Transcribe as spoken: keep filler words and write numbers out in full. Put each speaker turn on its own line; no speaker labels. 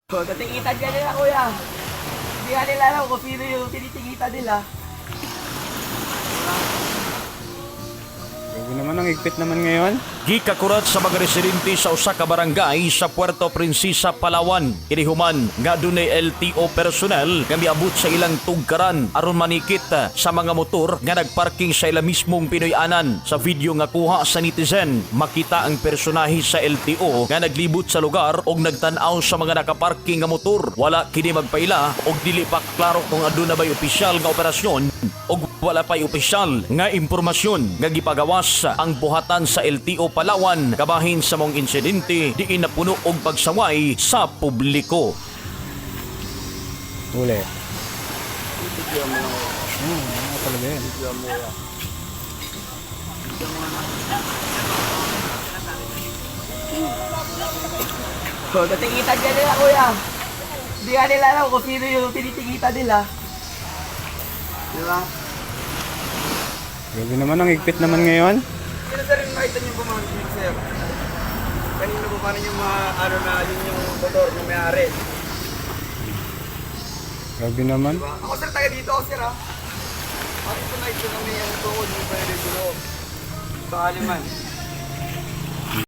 So, tatikitan ka nila, kuya. Hindi ka nila alam kung sino yung tinitikita nila.
Grabe naman, ang higpit naman ngayon.
Gikakurat sa mga residente sa usa ka barangay sa Puerto Princesa, Palawan. Inihuman nga dunay L T O personnel nga miabot sa ilang tugkaran aron manikit sa mga motor nga nagparking sa ila mismong Pinoy-anan. Sa video nga kuha sa netizen, makita ang personahe sa L T O nga naglibot sa lugar og nagtan-aw sa mga nakaparking nga motor. Wala kini magpaila og dili pa klaro kung aduna bay opisyal nga operasyon og wala pay opisyal nga impormasyon nga gipagawas ang buhatan sa L T O Palawan kabahin sa mong insidente diin napuno og pagsaway sa publiko.
Uli. Hmm, ano talaga yan?
So, tatikitan ka nila, kuya. Hindi ka nila alam kung sino yung tinitikita nila. Di ba?
Grabe naman, ang higpit naman ngayon.
Sino sir yung nakita niyo bumangkit sir? Kanina po paano yung mga ano na yun yung motor na may-ari?
Grabe naman.
Diba? Ako sir taga dito ako sir ha. Bakit ito nakita na may ano doon yung pwede doon? Sa Aliman.